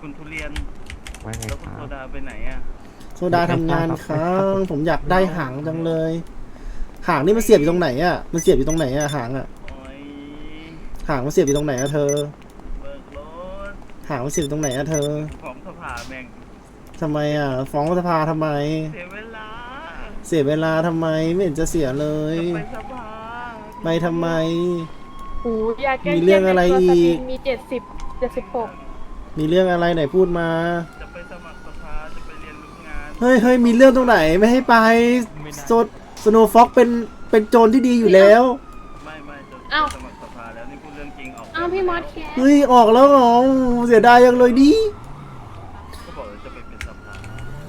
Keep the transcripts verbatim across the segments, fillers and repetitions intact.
คุณทุเรียนว่าไงแล้วคคุณรัโซบดาไปไหนอ่ะโซดาทำงานครับผมอยากได้หางจังเลย หางนี่มันเสียบอยู่ตรงไหนอ่ะมันเสียบอยู่ตรงไหนอ่ะหางอ่ะโอ้ยหางมันเสียบอยู่ตรงไหนอ่ะเธอเบิกรถหางมันเสียบอยู่ตรงไหนอ่ะเธอของสภาแม่งทำไมอ่ะฟ้องสภาทำไมเสียเวลาเสียเวลาทำไมไม่เห็นจะเสียเลยจะไปสภาไปทำไมโอ้ยาแก้มีเรื่องอะไรอีกมีเจ็ดสิบเจ็ดสิบหกมีเรื่องอะไรไหนพูดมาจะไปสมัครสภาจะไปเรียนรู้งานเฮ้ยเฮ้ยมีเรื่องตรงไหนไม่ให้ไปโซสโนฟ็อกเป็นเป็นโจรที่ดีอยู่แล้วไม่ไม่จะอ้าวสมัครสภาแล้วนี่พูดเรื่องจริงออกอ้าวพี่มอสแคสเฮ้ยออกแล้วเหรอเสียดายยังเลยดิก็บอกว่าจะไปเป็นสภา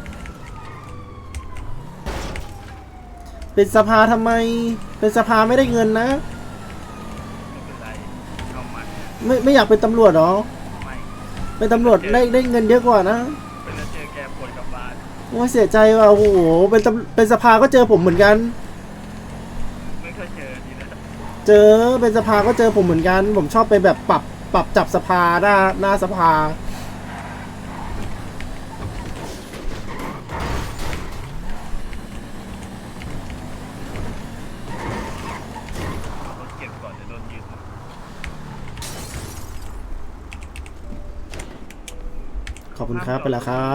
เป็นสภาทำไม เป็นสภาไม่ได้เงินนะไม่เป็นไรเข้ามาเนี่ยไม่ไม่อยากเป็นตำรวจเหรอไม่เป็นตำรวจได้ได้เงินเยอะกว่านะเป็นแล้วเจอแกปวดกลับบ้านว่าเสียใจว่ะโอ้โหเป็นตำเป็นสภาก็เจอผมเหมือนกันไม่เคยเจอทีนะเจอเป็นสภาก็เจอผมเหมือนกัน ผมชอบไปแบบปรับปรับจับสภาหน้าหน้าสภารถเก็บก่อนจะโดนยึดขอบคุณครับไปแล้วครับ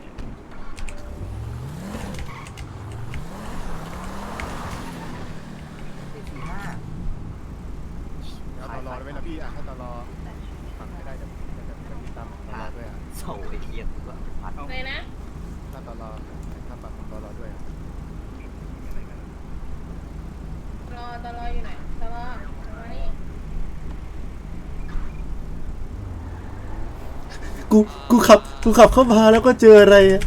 เอาตลอดไว้นะพี่อ่ะถ้าตลอดฟังไม่ได้จะจะจะมีตามตลอดด้วยอ่ะโซ่ไอ้เหี้ยตัวพัดอะไรนะถ้าตลอดถ้าปรับตลอดด้วยอ่ะรอตลออยู่ไหนตลอมานี่กูกูขับกูขับเข้ามาแล้วก็เจออะไรอะ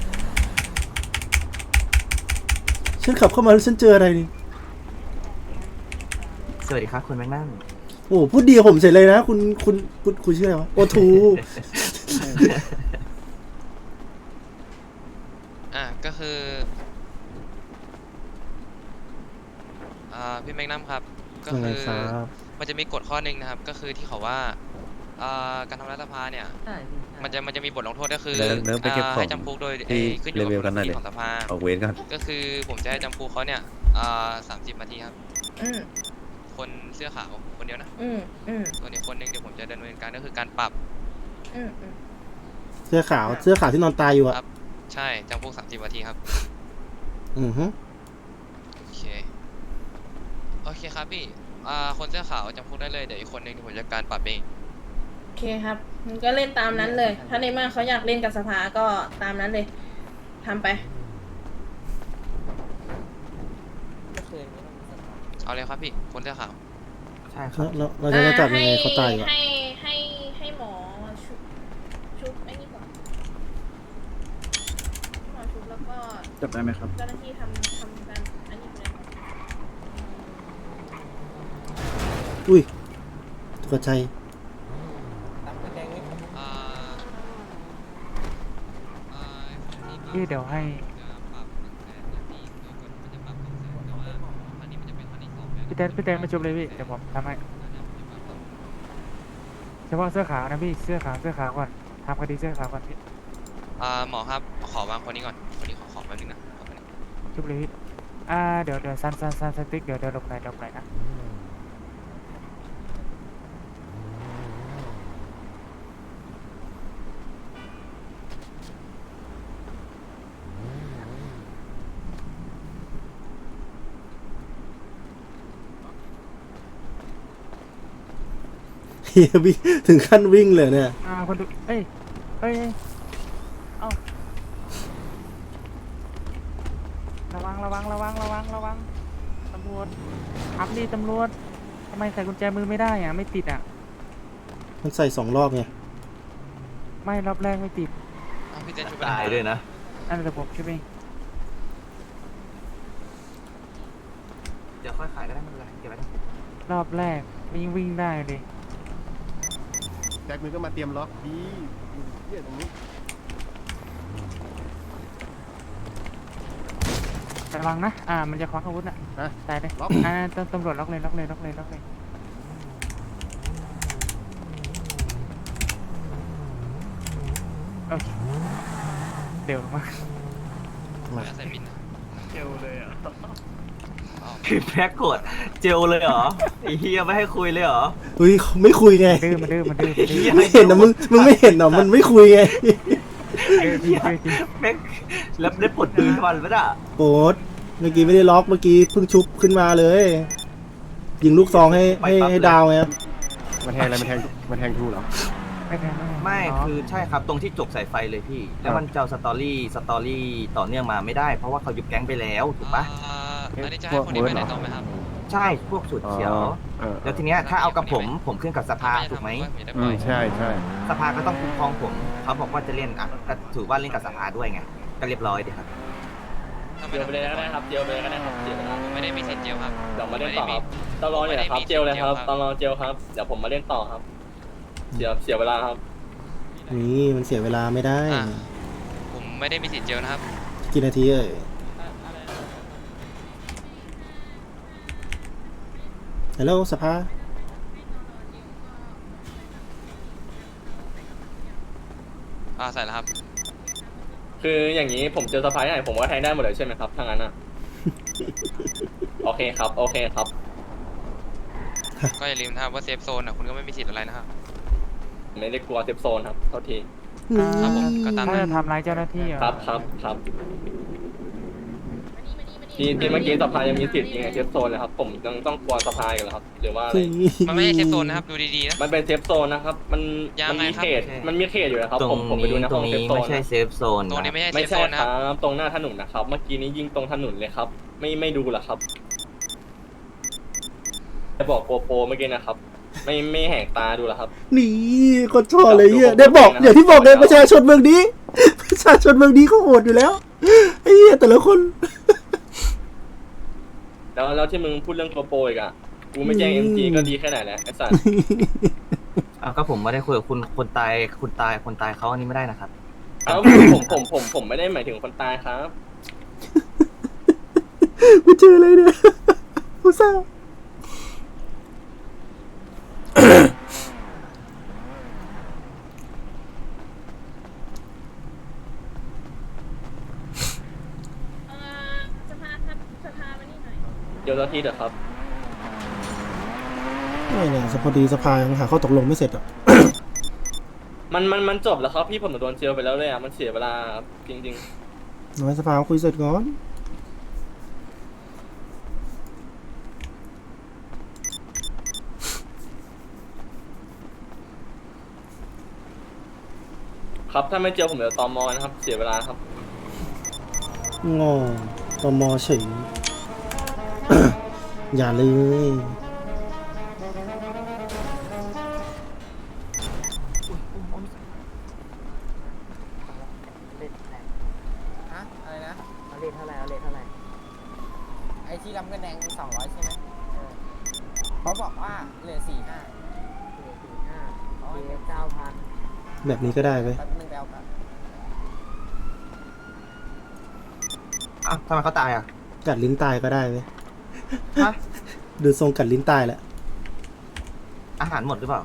ฉันขับเข้ามาแล้วฉันเจออะไรนี่สวัสดีครับคุณแมกนัมโอ้โหพูดดีกับผมเสร็จเลยนะ คุณคุณคุณคุณชื่ออะไรวะโอทูอ่ะก็คืออ่าพี่แมกนัมครับก็ยังไงคือครับมันจะมีกฎข้อหนึ่งนะครับ ก็คือที่เขาว่าอ่าการทำรัฐสภาเนี่ยมันจะมันจะมีบทลงโทษก็คือเดินเดินไปเก็บอ่าของให้จำคุกโดยที่เอ่อขึ้นอยู่กับเลเวลกันหน่อยดุลดิพินิจของสภาออกเวรกันก็คือผมจะให้จำคุกเขาเนี่ยอ่าสามสิบนาทีครับอืมคนเสื้อขาวคนเดียวนะอืมอืมส่วนอีกคนหนึงเดี๋ยวผมจะดำเนินการก็คือการปรับอืมอืมเสื้อขาวเสื้อขาวที่นอนตายอยู่อะครับใช่จำคุกสามสิบนาทีครับอือฮึโอเคโอเคครับพี่อ่าคนเสื้อขาวจำคุกได้เลยเดี๋ยวอีกคนหนึงเดี๋ยวผมจะการปรับเองโอเคครับมันก็เล่นตามนั้นเลย ถ้าในเมื่อเขาอยากเล่นกับสภาก็ตามนั้นเลยทำไปเอาเลยครับพี่คนเสื้อขาวใช่ครับแล้วแล้วเราจะจับยังไงเขาตายอยู่อะให้ให้ให้หมอชุบชุบไอ้นี่ก่อนหมอชุบแล้วก็จับได้ไหมครับเจ้าหน้าที่ทำทำการอันนี้ไปเลยอุ้ยตกใจอ่าอ่าที่พี่เดี๋ยวให้จะปรับหนึ่งแสนนะพี่โดยกฎมันจะปรับสองแสนแต่ว่าอันนี้มันจะเป็นครั้งที่สองแล้วพี่แตนพี่แตนมาชุบเลยพี่เดี๋ยวผมทำให้เฉพาะเสื้อขาวนะพี่เสื้อขาวเสื้อขาวก่อนทำคดีเสื้อขาวก่อนพี่อ่าหมอครับขอวางคนนี้ก่อนคนนี้ขอขอแป๊บนึงนะขอแป๊บนึงชุบเลยพี่อ่าเดี๋ยวเดี๋ยวซันซันซันสติ๊กเดี๋ยวเดี๋ยวหลบหน่อยหลบหน่อยนะเฮียวิ่งถึงขั้นวิ่งเลยเนี่ยอ่าคนดูเอ้ยเอ้ยเอ้ยเอ้าระวังระวังระวังระวังระวังตำรวจขับดิตำรวจทำไมใส่กุญแจมือไม่ได้อ่ะไม่ติดอ่ะมันใส่สองรอบไงไม่รอบแรกไม่ติดอ้าวพี่เจนชุบไปตายด้วยนะอันนี้ผมช่วยเองเดี๋ยวค่อยขายก็ได้ไม่เป็นไรเก็บไว้ก่อนรอบแรกวิ่งวิ่งได้เลยแจ็คมือก็มาเตรียมล็อกดีเนี่ยตรงนี้ระวังนะอ่ามันจะคว้าอาวุธอ่ะฮะตายเลยล็อกอ่าตำตำรวจล็อกเลยล็อกเลยล็อกเลยล็อกเลยโอเคเดี๋ยวมามาใส่บินนะเจลเลยอ่ะอ๋อคือแพ็กกดเจลเลยเหรอไอ้เฮียไม่ให้คุยเลยเหรอเฮ้ยเขาไม่คุยไงดื้อมาดื้อมาดื้อมาดื้อไม่เห็นนะมึงมึงไม่เห็นเหรอมันไม่คุยไงดื้อจริงดื้อจริงแม็กแล้วได้ปลดปืนทุกวันปะน่ะโปรดเมื่อกี้ไม่ได้ล็อกเมื่อกี้เพิ่งชุบขึ้นมาเลย ยิงลูกซองให้ให้ให้ดาวไงมันแทงอะไรมันแทงมันแทงทูเหรอไม่แพ้ไม่คือใช่ครับตรงที่จกสายไฟเลยพี่ แล้วมันจะเอาสตอรี่สตอรี่ต่อเนื่องมาไม่ได้เพราะว่าเขายุบแก๊งไปแล้วถูกปะอ่าอันนี้จะให้คนนี้ไปไหนต่อไหมครับใช่พวกสูตรเขียวเออแล้วทีเนี้ยถ้าเอากับผมผมขึ้นกับสภาถูกไหมอืมใช่ใช่สภาก็ต้องคุ้มครองผมเขาบอกว่าจะเล่นอ่ะก็ถือว่าเล่นกับสภาด้วยไงก็เรียบร้อยดีครับเจลไปเลยก็ได้ครับเจลไปเลยก็ได้ครับเจลไปเลยผมไม่ได้มีสิทธิ์เจลครับเดี๋ยวมาเล่นต่อครับตอนรอเนี่ยครับเจลเลยครับตอนรอเจลครับเดี๋ยวผมมาเล่นต่อครับเสียเสียเวลาครับนี่มันเสียเวลาไม่ได้อ่ะผมไม่ได้มีสิทธิ์เจลนะครับกี่นาทีเอ่ยฮัลโหลสภาอ่าใส่แล้วครับคืออย่างนี้ผมเจอสะพายไหนผมก็แทงได้หมดเลยใช่ไหมครับถ้างั้นอ่ะ โอเคครับโอเคครับก็อย่าลืมนะครับว่าเซฟโซนอ่ะคุณก็ไม่มีสิทธิ์อะไรนะครับไม่ได้กลัวเซฟโซนครับเท่าทีครับผมก็ตามถ้านั้จะนทำร้ายเจ้าหน้าที่เหรอครับครับครับที่ที่เมื่อกี้สภายังมีสิทธิ์ยังไงเซฟโซนเลยครับผมยังต้องกลัวสภาอยู่เหรอครับหรือว่าอะไรมันไม่ใช่เซฟโซนนะครับดูดีๆนะมันเป็นเซฟโซนนะครับมันยังมันไงมีครับเขตมันมีเขตอยู่นะครับตรผงมผมไปดูนี้ในตรห้องงเซฟนี้โซไม่นใช่นะเซฟโซนตรงนี้นะไม่ใช่เซไม่ฟโซใช่นคนะรัครับบตรงหน้าถนนนะครับ เมื่อกี้นี้ยิงตรงถนนเลยครับ ไม่ไม่ดูเหรอครับจะบอกโปโปเมื่อกี้นะครับ ไม่ไม่แหกตาดูเหรอครับนี่คนชอบเลยเฮียได้บอกอย่างที่บอกเลยประชาชนเมืองนี้ ประชาชนเมืองนี้เขาโหดอยู่แล้วไอ้เหี้ยแต่ละคนแล้วแล้วที่มึงพูดเรื่องโปโปอีกอ่ะกูไม่แจ้งเอ็มจีก็ดีแค่ไหนแล้วไอ้สัสอ่ะก็ผมไม่ได้คุยกับคุณคนตายคุณตายคนตายเขาอันนี้ไม่ได้นะครับเอ้าผมผมผมผมไม่ได้หมายถึงคนตายครับกูเจออะไรเนี่ยกูเศร้าเอ่อสภาครับสภามานี่หน่อยเดี๋ยวเจ้าที่เถอะครับไม่เนี่ยสพอดีสภายังหาข้อตกลงไม่เสร็จอ่ะมันมันมันจบแล้วครับพี่ผมโดนเจลไปแล้วเลยอ่ะมันเสียเวลาครับจริงน้อยสภาคุยเสร็จก่อนๆ ครับถ้าไม่เจลผมเดี๋ยวตอมอนะครับ เสียเวลาครับงอตมเฉย อย่าเลยฮะอะไรนะเอาเลทเท่าไหร่เอาเลทเท่าไหร่ไอ้ที่รับเงินแดงสองร้อยใช่ไหมเออเขาบอกว่าเหลือสี่ห้าเหลือสี่ห้าเหลือเก้าพันแบบนี้ก็ได้ไหมแป๊บนึงไปเอากันอ่ะทำไมเขาตายอ่ะกัดลิ้นตายก็ได้ไหมฮะดูทรงกัดลิ้นตายแหละอาหารหมดหรือเปล่า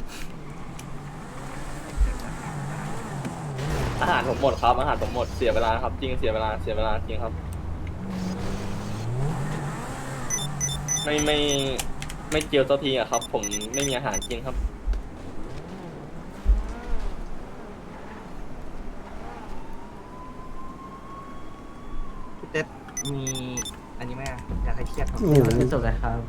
อาหารผมหมดครับอาหารผมหมดเสียเวลาครับจริงเสียเวลาเสียเวลาจริงครับ ไม่ไม่ไม่เจียวตัวทีอะครับ ผมไม่มีอาหารกินครับพี่เต้มีอันนี้ไหมอ่ะอยากให้เครียดครับโอ้โหจะจบเลยครับ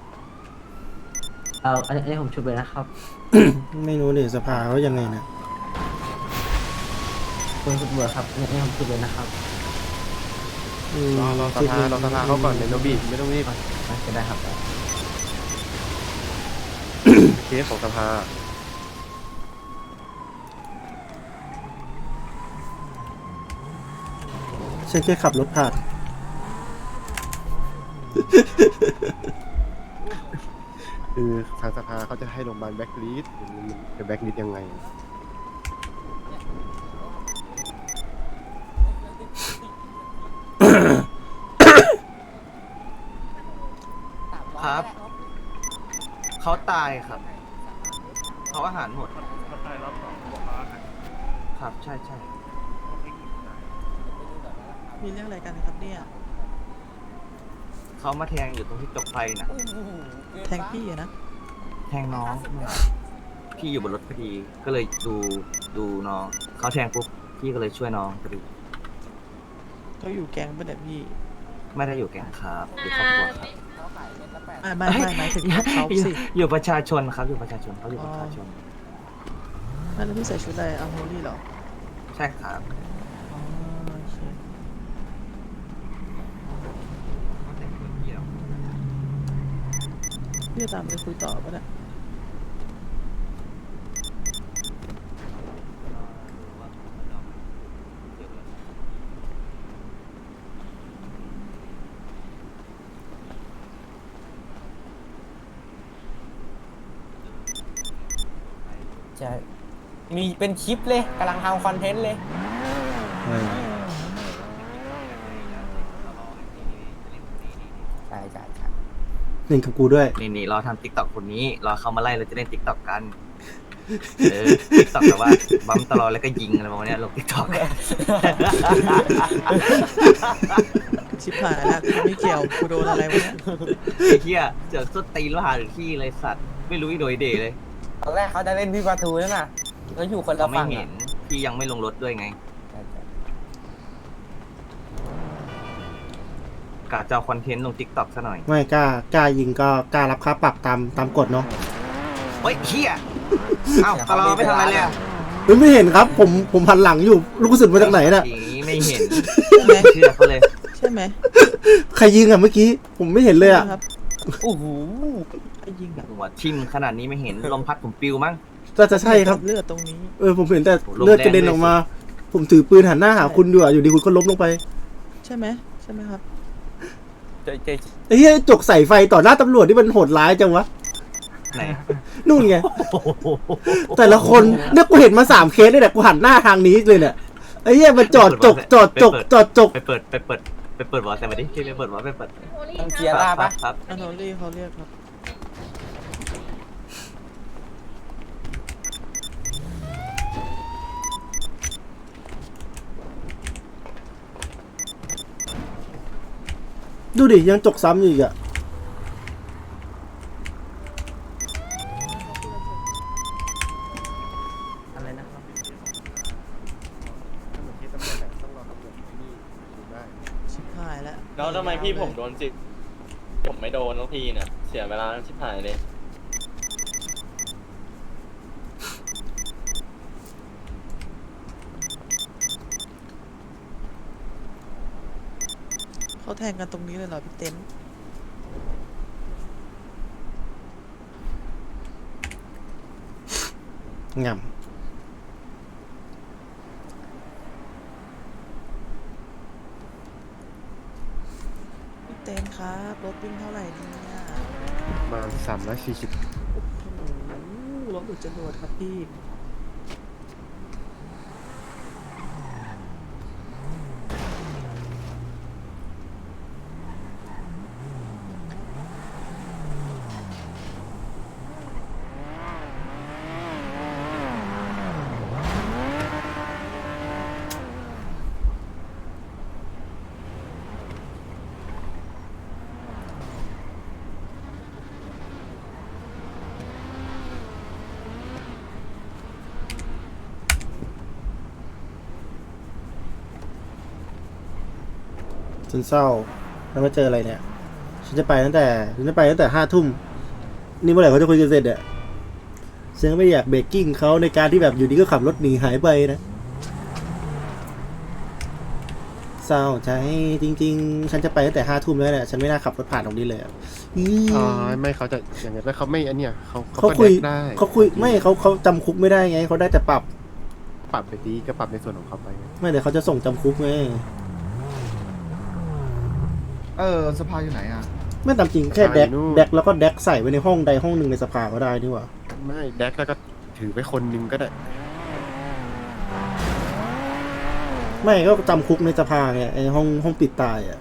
เอาอันนี้ผมชุบเลยนะครับไม่รู้เนี่ยสภาเขายังไงนะคุณตำรวจครับอันนี้ผมชุบเลยนะครับอืมรอรอสภารอสภาเขาก่อนเดี๋ยวโนบีไม่ต้องรีบจะได้ครับเคสของสภาฉันแค่ขับรถผ่านคือทางสภาเขาจะให้โรงพยาบาลแบ็กลิสจะแบ็กลิสยังไงครับ เขาตายครับ เขาอาหารหมดเขาตายรอบสองบอกว่าคครับ ใช่ใช่มีเรื่องอะไรกันครับเนี่ยเขามาแทงอยู่ตรงที่จกไฟน่ะแทงพี่อะนะแทงน้องพี่อยู่บนรถพอดีก็เลยดูดูน้องเขาแทงปุ๊บพี่ก็เลยช่วยน้องพอดีเขาอยู่แก๊งปะเนี่ยพี่ไม่ได้อยู่แก๊งครับอยู่ครอบครัวครับเขาขายเม็ดละแปดไม่ไม่ไม่หมายถึงเขาอยู่สิอยู่ประชาชนครับอยู่ประชาชนเขาอยู่ประชาชนไม่แล้วพี่ใส่ชุดอะไรอัลโฮลี่เหรอใช่ครับอ๋อโอเค พี่จะตามไปคุยต่อปะเนี่ยใช่มีเป็นคลิปเลยกำลังทำคอนเทนต์เลยเออใช่ใช่ใช่เล่นกับกูด้วยนี่นี่รอทำติ๊กต็อกคนนี้รอเขามาไล่เราจะเล่นติ๊กต็อกกันเออติ๊กต็อกแบบว่าบัมตลอดแล้วก็ยิงอะไรประมาณเนี้ยลงติ๊กต็อกชิบหายแล้วกูไม่เกี่ยวกูโดนอะไรวะเนี่ยไอ้เหี้ยเจอส้นตีนแล้วหาหรือที่เลยสัตว์ไม่รู้อีโดยเดเลยตอนแรกเขาจะเล่นพี่ประตูนั่นน่ะแล้วอยู่คนละเราไม่ฝั่งเห็อะนพี่ยังไม่ลงรถด้วยไงใช่ใช่กะจะเอาคอนเทนต์ลงติ๊กต็อกซะหน่อยไม่กล้ากล้ายิงก็กล้ารับค่าปรับตามตามกฎเนาะเฮ้ยเหี้ยเอ้าตลอดไม่ทำอะไรเลยอะเฮ้ยไม่เห็นครับ ผมผมหันหลังอยู่ลูกกระสุนมาจากไหนน่ะอย่างนี้ไม่เห็นใช่ไหมเชื่อเขาเลยใช่ไหมใครยิงอ่ะเมื่อกี้ ผมไม่เห็นเลยอ่ะครับโอ้โหไอ้ยิงแบบหัวทิ่มขนาดนี้ไม่เห็นลมพัดผมปิวมั้งก็จะใช่ครับเลือดตรงนี้เออผมเห็นแต่โอ้โหลมเลือดกระเด็นแรงด้วยออกมา ผมถือปืนหันหน้าหาคุณอยู่อ่ะอยู่ดีคุณก็ล้มลงไปใช่ไหมใช่ไหมครับเจ๊เจ๊ไอ้เหี้ยจกใส่ไฟต่อหน้าตำรวจที่มันโหดร้ายจังวะไหนนู่นไง แต่ละคนเนี่ยกูเห็นมาสามเคสเลยเนี่ยกูหันหน้าทางนี้เลยเนี่ยไอ้เหี้ยมันจอดจกจอดจกจอดจกไปเปิดไปเปิดไปเปิดวอลแต่มาดิพี่ไปเปิดวอลไปเปิดโอลี่มันคเกียรับร์ล่าปะครับอันโนลี่เขาเรียกครับดูดิยังจกซ้ำอยู่อีกอ่ะอะไรนะครับถ้าเหมือนที่ตำรวจแหละต้องรอตำรวจที่นี่ดูได้ชิบหายแล้วแล้วทำไมพี่ผมโดนจิกผมไม่โดนทุกทีเนี่ยเสียเวลาชิบหายเลยเขาแทงกันตรงนี้เลยเหรอพี่เต้นงำพี่เต้นครับรถวิ่งเท่าไหร่เนี่ยประมาณสามร้อยสี่สิบโอ้โหรถอุดจรวดครับพี่ฉันเศร้าแล้วมาเจออะไรเนี่ย ฉันจะไปตั้งแต่ฉันจะไปตั้งแต่ห้าทุ่มนี่เมื่อไหร่เขาจะคุยกันเสร็จเนี่ยฉันก็ไม่อยากเบรกกิ้งเขาในการที่แบบอยู่ดีก็ขับรถหนีหายไปนะเศร้าใจจริงๆ ฉันจะไปตั้งแต่ห้าทุ่มแล้วเนี่ยฉันไม่น่าขับรถผ่านตรงนี้เลยอะอีอ๋อไม่เขาจะอย่างเงี้ยแล้วเขาไม่อันเนี้ยเขาเขาก็คุยแดกได้เขาคุยไม่เขาเขาจำคุกไม่ได้ไงเขาได้แต่ปรับปรับไปดีก็ปรับในส่วนของเขาไปไม่เดี๋ยวเขาจะส่งจำคุกไงเออสภาอยู่ไหนอ่ะไม่ตามจริงแค่แดกแดกแล้วก็แดกใส่ไว้ในห้องใดห้องหนึ่งในสภาก็ได้นี่หว่าไม่แดกแล้วก็ถือไปคนนึงก็ได้ไม่ก็จำคุกในสภาไงไอห้องห้องปิดตายอ่ะ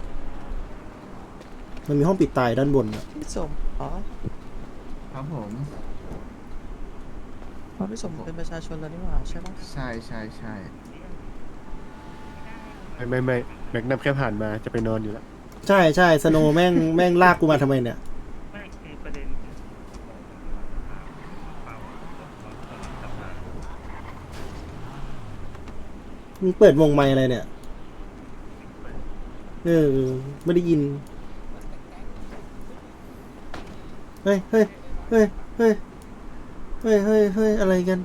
มันมีห้องปิดตายด้านบนอ่ะพี่สมอ๋อครับผมเพราะพี่สมเป็นประชาชนแล้วนี่หว่าใช่ปะใช่ใช่ใช่ไม่ไม่ไม่แม็กนัมแค่ผ่านมาจะไปนอนอยู่แล้วใช่ใช่สโนว์แม่งแม่งลากกูมาทำไมเนี่ยไม่คือประเด็นมึงเปิดวงไมค์อะไรเนี่ย เออ ไม่ได้ยิน เฮ้ย เฮ้ย เฮ้ย เฮ้ย เฮ้ย เฮ้ย เฮ้ย อะไรกัน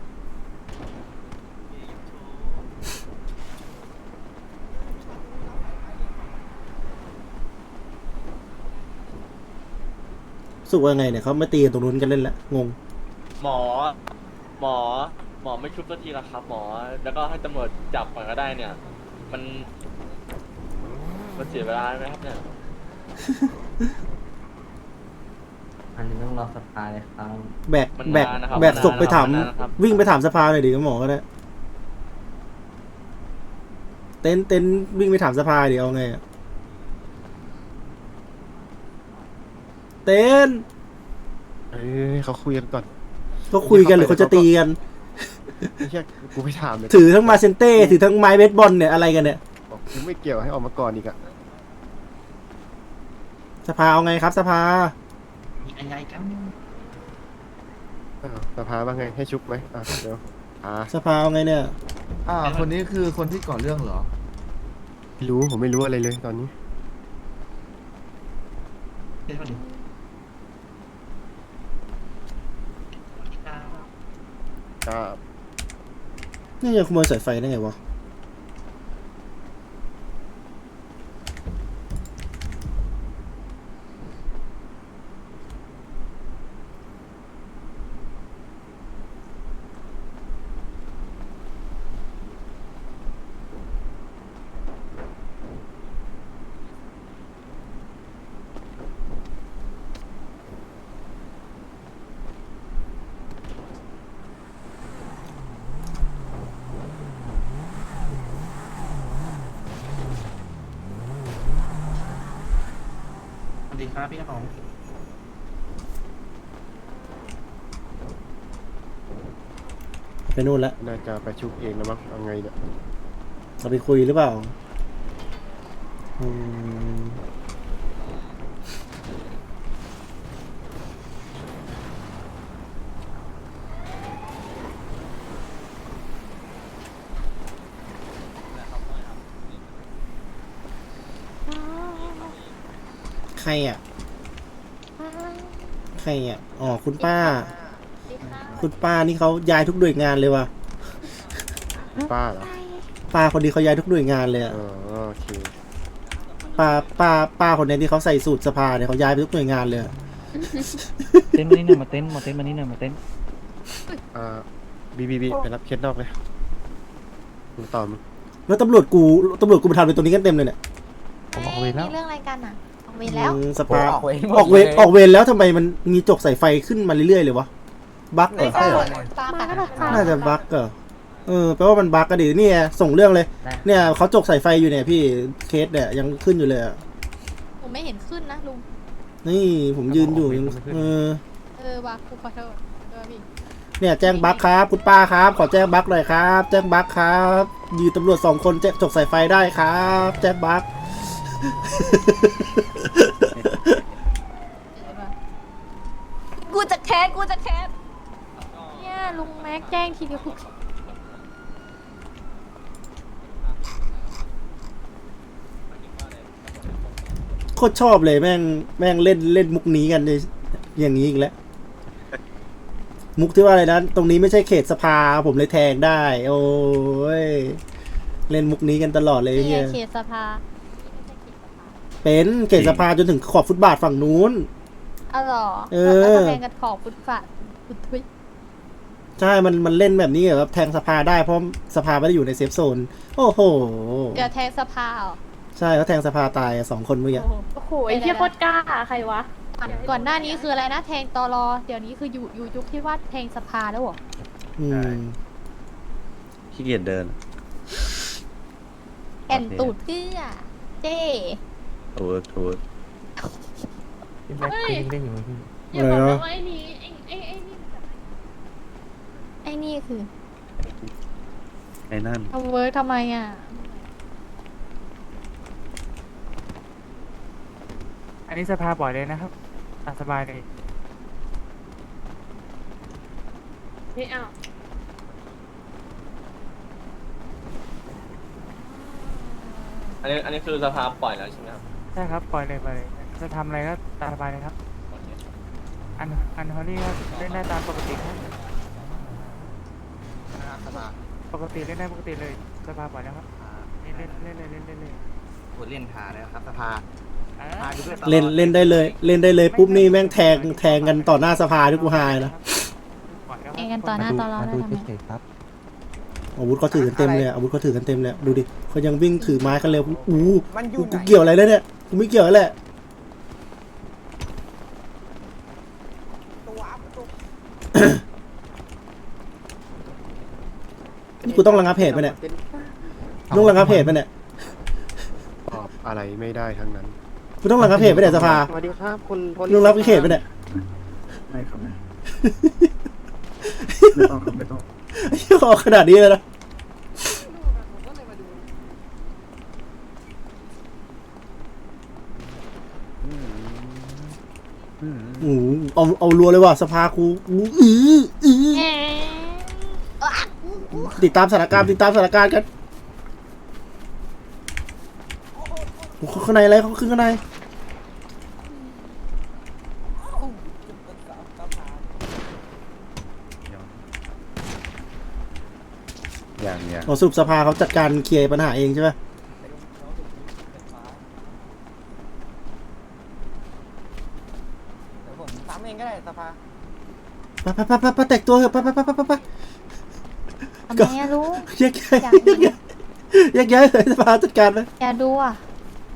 สุกว่าไงเนี่ยเขาไม่ตีกันตรงนู้นกันเล่นละงงหมอ หมอ หมอไม่ชุบสักทีละครับ หมอ แล้วก็ให้ตำรวจจับก่อนก็ได้เนี่ย มัน มันเสียเวลาไหมครับเนี่ยอันนี้ต้องรอสภาเลยครับแบกมันแบกนานนะครับแบกศพไปถามมันนานนะครับวิ่งไปถามสภาหน่อยดิหมอก็ได้ เต้นเต้นวิ่งไปถามสภาดิเอาไงอะเต้นเอ้ยเขาคุยกันก่อนก็คุยกันหรือเขาจะตีกันไม่ใช่กูไปถามเลยถือทั้งมาเซนเต้ถือทั้งไม้เบสบอลเนี่ยอะไรกันเนี่ยบอกกูไม่เกี่ยวให้ออกมาก่อนอีกอะสภาเอาไงครับ สภายังไงกันอ้าวสภาว่าไงให้ชุบไหมอ่ะเดี๋ยวอ่าสภาเอาไงเนี่ยอ่า คนนี้คือคนที่ก่อเรื่องเหรอไม่รู้ผมไม่รู้อะไรเลยตอนนี้ ก็นี่ยังขโมยสายไฟได้ไงวะสวัสดีครับพี่กระป๋องไปนู่นละน่าจะไปชุบเองแล้วมั้งเอาไงเนี่ยเราไปคุยหรือเปล่าอืมใครอ่ะ ใครอ่ะ อ๋อ คุณป้า คุณป้านี่เขาย้ายทุกหน่วยงานเลยว่ะป้าเหรอป้าคนนี้เขาย้ายทุกหน่วยงานเลยอะอ๋อโอเคป้าป้าป้าคนนี้ที่เขาใส่สูตรสภาเนี่ยเขาย้ายไปทุกหน่วยงานเลยอะเต้นมานี่หน่อยมาเต้นมาเต้นมานี่หน่อยมาเต้นอ่าบีบีบีไปรับเคสนอกเลยมึงต่อมึงแล้วตำรวจกูตำรวจกูไปทำเลยตรงนี้กันเต็มเลยเนี่ยผมออกเวรแล้วมีเรื่องอะไรกันอ่ะ ออกเวรแล้วอืมสภาออกเวรหมดออกเวรเลยออกเวรแล้วทำไมมันมีจกสายไฟขึ้นมาเรื่อยๆเลยวะบั๊กเหรอใช่เหรอตามแต่น่าจะบั๊กเหรอเออแปลว่ามันบั๊กก็ดีเนี่ยส่งเรื่องเลย เนี่ยเขาจกสายไฟอยู่เนี่ยพี่เคสเนี่ยยังขึ้นอยู่เลยอะผมไม่เห็นขึ้นนะลุงนี่ผมยืนอยู่ยังเออเออว่ะกูขอโทษเออพี่เนี่ยแจ้งบั๊กครับคุณป้าครับ ขอแจ้งบั๊กหน่อยครับ แจ้งบั๊กครับยืนตำรวจสองคนแจ้งจกสายไฟได้ครับ แจ้งบั๊กเออว่ะกูจะแคสกูจะแคสเนี่ยลุงแม็กแจ้งทีเดียวกูโคตรชอบเลยแม่งแม่งเล่นเล่นมุกนี้กันเลยอย่างนี้อีกแล้ว มุกที่ว่าอะไรนะตรงนี้ไม่ใช่เขตสภาผมเลยแทงได้ โอ้ยเล่นมุกนี้กันตลอดเลยนี่ไงเนี่ยเขตสภาเป็นเขตสภาจนถึงขอบฟุตบาทฝั่งนู้นอ๋อเหรอเออแล้วก็แทงกันขอบฟุตฟาดฟุตทุยใช่มันมันเล่นแบบนี้เหรอครับแทงสภาได้เพราะสภาไม่ได้อยู่ในเซฟโซน โอ้โหเดี๋ยวแทงสภาเหรอใช่เขาแทงสภาตายอะสองคนเมื่อกี้โอ้โหไอ้เหี้ยโคตรกล้าใครวะก่อนก่อนหน้านี้คืออะไรนะ แทงตอรอ เดี๋ยวนี้คืออยู่อยู่ยุคที่ว่าแทงสภาแล้วเหรออืมขี้เกียจเดินแอนตูดเกื้อเจ้ถูกถูกเฮ้ยเล่นอยู่พี่อย่าบอกนะว่าไอ้นี้ไอ้ไอ้ไอ้นี่ไอ้นี่คือไอ้นั่นทำเวิร์กทำไมอ่ะอันนี้สภาปล่อยเลยนะครับตามสบายเลยไม่เอาอันนี้อันนี้คือสภาปล่อยแล้วใช่ไหมครับใช่ครับปล่อยเลยปล่อยเลยจะทำอะไรก็ตามสบายเลยครับโอเคอันอันฮอลลี่ก็เล่นได้ตามปกติครับนะครับสภาปกติเล่นได้ปกติเลยสภาปล่อยแล้วครับเล่นเล่นเล่นเลยเล่นเล่นเลยคนเล่นหาแล้วครับสภาอ่าพาดูด้วยเล่นเล่นได้เลย เล่นได้เลยปุ๊บนี่แม่งแทงแทงกันต่อหน้าสภาที่กูหายนะปล่อยแล้วครับเองกันต่อหน้าต่อรอได้ทำไมอาวุธเขาถือกันเต็มเลยอะอาวุธเขาถือกันเต็มเลยอะดูดิเขายังวิ่งถือไม้กันเร็วอู้มันอยู่กูไหนเกี่ยวอะไรแล้วเนี่ยกูไม่เกี่ยวแล้วแหละตัวตัวนี่กูต้องระงับเหตุไปะเนี่ยต้องระงับเหตุไปะเนี่ยตอบอะไรไม่ได้ทั้งนั้นกูต้องระงับเหตุไปะเนี่ยสภาสวัสดีครับคุณพลต้องระงับเหตุไปะเนี่ยไม่ครับไม่ไม่ต้องครับไม่ต้องไอ้เหี้ยออกขนาดนี้เลยนะโอ้โหเอาเอารัวเลยว่ะสภาครูอู้อื้ออื้อแหมอ๊ะติดตามสถานการณ์ติดตามสถานการณ์กันโอ้โหข้างในอะไรเขาขึ้นข้างในอย่างอย่างเราสรุปสภาเขาจัดการเคลียร์ปัญหาเองใช่ไหมเดี๋ยวผมซ้ำเองก็ได้สภาไปไปไปไปไปแต่งตัวเถอะไปไปไปไปไปไปทำไมอะลุงแยกย้ายแยกย้ายแยกย้ายเลยสภาจัดการไหมอย่าดูอ่ะ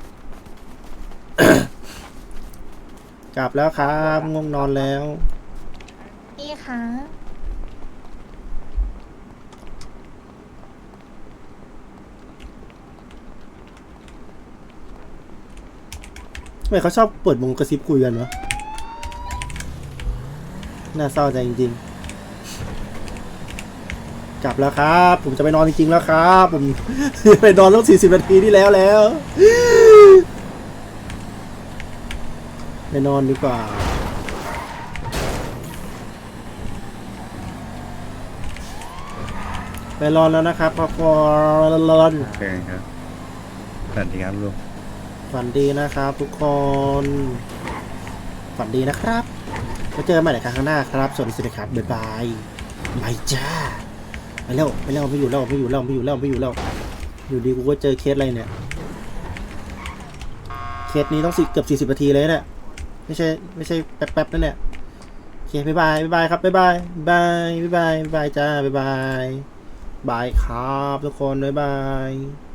กลับแล้วครับง่วงนอนแล้วนี่ค่ะทำไมเขาชอบเปิดวงกระซิบคุยกันวะน่าเศร้าใจจริงๆ กลับแล้วครับ ผมจะไปนอนจริงๆแล้วครับ ผม ไปนอนตั้งสี่สิบนาทีที่แล้วแล้ว ไปนอนดีกว่า ไปนอนแล้วนะครับพอพอรอนโอเคครับสวัสดีครับลุงฝันดีนะครับทุกคน ฝันดีนะครับไว้เจอกันใหม่ในครั้งข้างหน้าครับ สวัสดีครับ บ๊ายบายบายจ้า ไปแล้วไปแล้วไม่อยู่แล้วไม่อยู่แล้วไม่อยู่แล้วไม่อยู่แล้ว อยู่ดีกูก็เจอเคสอะไรเนี่ย เคสนี้ต้องสิเกือบสี่สิบนาทีเลยเนี่ย ไม่ใช่ไม่ใช่แป๊บๆนั่นเนี่ยโอเคบ๊ายบายบ๊ายบายครับบ๊ายบายบ๊ายบายบ๊ายบายบ๊ายบายจ้าบ๊ายบายบายครับทุกคนบ๊ายบาย